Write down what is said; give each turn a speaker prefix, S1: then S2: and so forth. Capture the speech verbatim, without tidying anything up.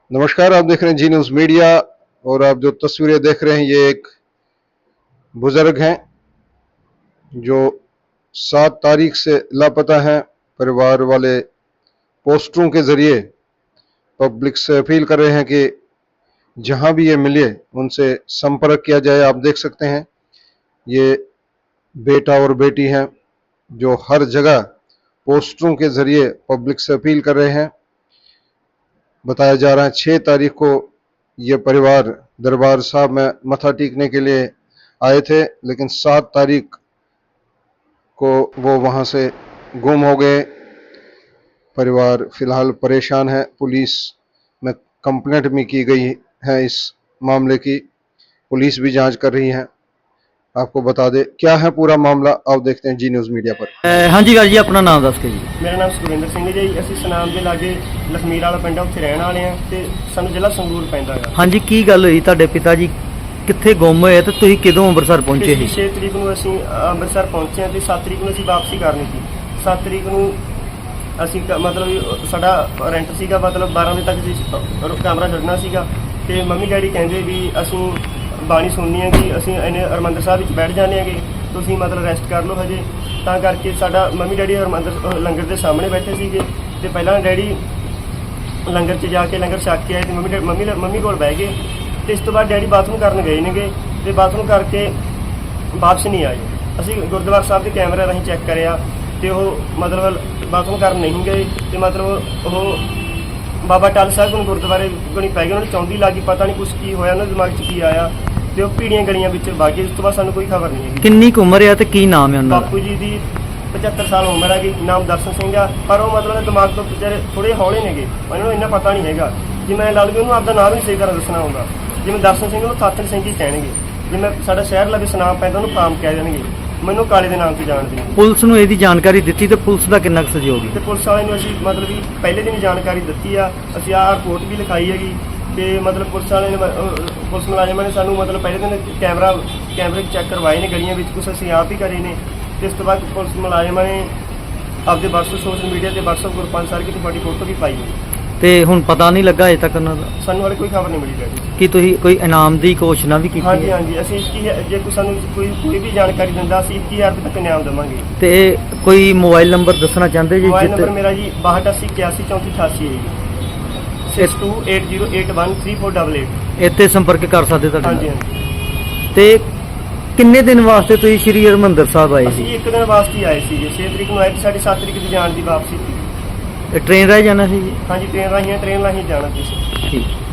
S1: नमस्कार, आप देख रहे हैं जी न्यूज़ मीडिया। और आप जो तस्वीरें देख रहे हैं ये एक बुजुर्ग हैं जो सात तारीख से लापता हैं। परिवार वाले पोस्टरों के जरिए पब्लिक से अपील कर रहे हैं कि जहां भी ये मिले उनसे संपर्क किया जाए। आप देख सकते हैं ये बेटा और बेटी हैं जो हर जगह पोस्टरों के जरिए पब्लिक से अपील कर रहे हैं। बताया जा रहा है छः तारीख को ये परिवार दरबार साहब में मत्था टेकने के लिए आए थे, लेकिन सात तारीख को वो वहाँ से गुम हो गए। परिवार फिलहाल परेशान है। पुलिस में कंप्लेंट भी की गई है। इस मामले की पुलिस भी जांच कर रही है। आपको बता दे क्या है पूरा मामला, आप देखते हैं जी न्यूज़ मीडिया पर।
S2: हाँ जी जी अपना नाम दस के जी।
S3: मेरा नाम सुखविंदर सिंह है जी। ਅਸੀਂ ਸਨਾਮ ਦੇ ਲਾਗੇ ਲਖਮੀਰ ਵਾਲਾ ਪਿੰਡ ਉੱਥੇ ਰਹਿਣ ਵਾਲੇ ਆ ਤੇ ਸਾਨੂੰ ਜ਼ਿਲ੍ਹਾ ਸੰਗਰੂਰ ਪੈਂਦਾ ਹੈ।
S2: हाँ जी ਕੀ ਗੱਲ ਹੋਈ ਤੁਹਾਡੇ ਪਿਤਾ ਜੀ ਕਿੱਥੇ ਗੁੰਮ ਹੋਏ ਤੇ ਤੁਸੀਂ ਕਦੋਂ ਅੰਮ੍ਰਿਤਸਰ ਪਹੁੰਚੇ ਸੀ?
S3: ਛੇ ਤਰੀਕ ਨੂੰ ਅਸੀਂ ਅੰਮ੍ਰਿਤਸਰ ਪਹੁੰਚੇ ਤੇ ਸੱਤ ਤਰੀਕ ਨੂੰ ਅਸੀਂ ਵਾਪਸੀ ਕਰਨੀ ਸੀ। ਸੱਤ ਤਰੀਕ ਨੂੰ ਅਸੀਂ ਕ- ਮਤਲਬ ਸਾਡਾ ਰੈਂਟ ਸੀਗਾ, ਮਤਲਬ ਬਾਰਾਂ ਵਜੇ ਤੱਕ ਅਸੀਂ ਕਮਰਾ ਛੱਡਣਾ ਸੀਗਾ ਤੇ ਮੰਮੀ ਡੈਡੀ ਕਹਿੰਦੇ ਵੀ ਅਸੀਂ ਬਾਣੀ ਸੁਣਨੀ ਹੈ ਕਿ ਅਸੀਂ ਇਹਨੇ ਹਰਿਮੰਦਰ ਸਾਹਿਬ ਵਿੱਚ ਬੈਠ ਜਾਂਦੇ ਹੈਗੇ, ਤੁਸੀਂ ਮਤਲਬ ਰੈਸਟ ਕਰ ਲਓ ਹਜੇ। ਤਾਂ ਕਰਕੇ ਸਾਡਾ ਮੰਮੀ ਡੈਡੀ ਹਰਿਮੰਦਰ ਲੰਗਰ ਦੇ ਸਾਹਮਣੇ ਬੈਠੇ ਸੀਗੇ ਤੇ ਪਹਿਲਾਂ ਡੈਡੀ ਲੰਗਰ 'ਚ ਜਾ ਕੇ ਲੰਗਰ ਛਕ ਕੇ ਆਏ ਤੇ ਮੰਮੀ ਡੈ- ਮੰਮੀ ਮੰਮੀ ਕੋਲ ਬਹਿ ਗਏ ਤੇ ਇਸ ਤੋਂ ਬਾਅਦ ਡੈਡੀ ਬਾਥਰੂਮ ਕਰਨ ਗਏ ਨੇਗੇ ਤੇ ਬਾਥਰੂਮ ਕਰਕੇ ਵਾਪਸ ਨਹੀਂ ਆਏ। ਅਸੀਂ ਗੁਰਦੁਆਰਾ ਸਾਹਿਬ ਦੇ ਕੈਮਰੇ ਰਾਹੀਂ ਚੈੱਕ ਕਰਿਆ ਤੇ ਉਹ ਮਤਲਬ ਬਾਥਰੂਮ ਕਰਨ ਨਹੀਂ ਗਏ ਤੇ ਮਤਲਬ ਉਹ ਬਾਬਾ ਟਾਲ ਸਾਹਿਬ ਨੂੰ ਗੁਰਦੁਆਰੇ ਕੋਲ ਪੈ ਗਏ। ਉਹਨਾਂ ਨੂੰ ਚੌਂਦੀ ਲੱਗੀ, ਪਤਾ ਨਹੀਂ ਕੁਛ ਕੀ ਹੋਇਆ, ਉਹਨਾਂ ਦੇ ਦਿਮਾਗ 'ਚ ਕੀ ਆਇਆ ਤੇ ਉਹ ਪੀੜੀਆਂ ਗਲੀਆਂ ਵਿੱਚ ਵਗ ਗਏ। ਉਸ ਤੋਂ ਬਾਅਦ ਸਾਨੂੰ ਕੋਈ ਖਬਰ ਨਹੀਂ ਹੈਗੀ।
S2: ਕਿੰਨੀ ਕੁ ਉਮਰ ਆ ਤੇ ਕੀ ਨਾਮ ਹੈ ਉਹਨਾਂ ਦਾ?
S3: ਬਾਪੂ ਜੀ ਦੀ ਪਚੱਤਰ ਸਾਲ ਉਮਰ ਹੈਗੀ, ਨਾਮ ਦਰਸ਼ਨ ਸਿੰਘ ਆ, ਪਰ ਉਹ ਮਤਲਬ ਦਿਮਾਗ ਤੋਂ ਵਿਚਾਰੇ ਥੋੜੇ ਹੌਲੇ ਨੇਗੇ, ਉਹਨਾਂ ਨੂੰ ਇੰਨਾ ਪਤਾ ਨਹੀਂ ਹੈਗਾ। ਜੇ ਮੈਂ ਲਾ ਲਈਏ ਉਹਨੂੰ ਆਪਦਾ ਨਾਮ ਵੀ ਨਹੀਂ ਸਹੀ ਤਰ੍ਹਾਂ ਦੱਸਣਾ ਹੁੰਦਾ। ਜਿਵੇਂ ਦਰਸ਼ਨ ਸਿੰਘ ਉਹਨੂੰ ਸਾਥਣ ਸਿੰਘ ਹੀ ਕਹਿਣਗੇ, ਜਿਵੇਂ ਸਾਡਾ ਸ਼ਹਿਰ ਲਵੇ ਸੁਨਾਮ ਪੈਂਦਾ ਉਹਨੂੰ ਕਾਮ ਕਹਿ ਦੇਣਗੇ, ਮੈਨੂੰ ਕਾਲੇ ਦੇ ਨਾਮ 'ਤੇ ਜਾਣਦੇ ਨੇ।
S2: ਪੁਲਿਸ ਨੂੰ ਇਹਦੀ ਜਾਣਕਾਰੀ ਦਿੱਤੀ ਤੇ ਪੁਲਿਸ ਦਾ ਕਿੰਨਾ ਕੁ ਸਹਿਯੋਗ ਹੈ?
S3: ਤੇ ਪੁਲਿਸ ਵਾਲਿਆਂ ਨੂੰ ਅਸੀਂ ਮਤਲਬ ਵੀ ਪਹਿਲੇ ਦਿਨ ਹੀ ਜਾਣਕਾਰੀ ਦਿੱਤੀ ਆ। ਅਸੀਂ ਆਹ ਰਿਪੋਰਟ ਵੀ ਲਿਖਾਈ ਹੈਗੀ ਤੇ ਮਤਲਬ ਪੁਲਿਸ ਵਾਲਿਆਂ ਨੇ ਅਹ ਪੁਲਿਸ ਮੁਲਾਜ਼ਮਾਂ ਨੇ ਸਾਨੂੰ ਮਤਲਬ ਪਹਿਲੇ ਦਿਨ ਕੈਮਰਾ ਕੈਮਰੇ ਚੈੱਕ ਕਰਵਾਏ ਨੇ ਗਲੀਆਂ ਵਿੱਚ, ਕੁਛ ਅਸੀਂ ਆਪ ਹੀ ਕਰੇ ਨੇ ਤੇ ਇਸ ਤੋਂ ਬਾਅਦ ਪੁਲਿਸ ਮੁਲਾਜ਼ਮਾਂ ਨੇ ਆਪਦੇ WhatsApp ਸੋਸ਼ਲ ਮੀਡੀਆ ਤੇ WhatsApp ਗਰੁੱਪਾਂ 'ਚ ਸਾਰੀ ਕਿਤੇ ਤੁਹਾਡੀ ਫੋਟੋ ਵੀ ਪਾਈ ਹੈ।
S2: ਤੇ ਹੁਣ ਪਤਾ ਨਹੀਂ ਲੱਗਾ ਅਜੇ ਤੱਕ ਉਹਨਾਂ ਦਾ
S3: ਸਾਨੂੰ ਹਾਲੇ ਕੋਈ ਖਬਰ ਨਹੀਂ ਮਿਲੀ ਰਹੀ।
S2: ਕਿ ਤੁਸੀਂ ਕੋਈ ਇਨਾਮ ਦੀ ਘੋਸ਼ਣਾ ਵੀ ਕੀਤੀ
S3: ਹਾਂਜੀ
S2: ਹੈ?
S3: ਹਾਂਜੀ ਅਸੀਂ ਇੱਕੀ ਹਜ਼ਾਰ ਜੇ ਕੋਈ ਸਾਨੂੰ ਕੋਈ ਕੋਈ ਵੀ ਜਾਣਕਾਰੀ ਦਿੰਦਾ ਅਸੀਂ ਇੱਕੀ ਹਜ਼ਾਰ ਰੁਪਏ ਤੱਕ ਇਨਾਮ ਦੇਵਾਂਗੇ।
S2: ਤੇ ਕੋਈ ਮੋਬਾਈਲ ਨੰਬਰ ਦੱਸਣਾ ਚਾਹੁੰਦੇ ਜੀ?
S3: ਮੋਬਾਈਲ ਨੰਬਰ
S2: ਜਿੱਥੇ
S3: ਮੇਰਾ ਜੀ ਬਾਹਠ ਅੱਸੀ ਇਕਿਆਸੀ ਚੌਂਤੀ ਅਠਾਸੀ ਹੈ ਜੀ। Six two eight zero eight one three four double eight.
S2: ਇੱਥੇ ਸੰਪਰਕ ਕਰ ਸਕਦੇ ਤੁਹਾਡੇ
S3: ਹਾਂਜੀ
S2: ਨਾਲ।
S3: ਹਾਂਜੀ
S2: ਤੇ ਕਿੰਨੇ ਦਿਨ ਵਾਸਤੇ ਤੁਸੀਂ ਸ਼੍ਰੀ ਹਰਿਮੰਦਰ ਸਾਹਿਬ ਆਏ
S3: ਅਸੀਂ
S2: ਸੀ?
S3: ਇੱਕ ਦਿਨ ਵਾਸਤੇ ਹੀ ਆਏ ਸੀਗੇ। ਛੇ ਤਰੀਕ ਨੂੰ ਆਏ ਤੇ ਸਾਡੀ ਸੱਤ ਤਰੀਕ ਦੀ ਜਾਣ ਦੀ ਵਾਪਸੀ ਸੀ।
S2: ਟ੍ਰੇਨ ਰਾਹੀਂ ਜਾਣਾ ਸੀ ਜੀ?
S3: ਹਾਂਜੀ ਟ੍ਰੇਨ ਰਾਹੀਂ ਟ੍ਰੇਨ ਰਾਹੀਂ ਜਾਣਾ ਸੀ।
S2: ਠੀਕ।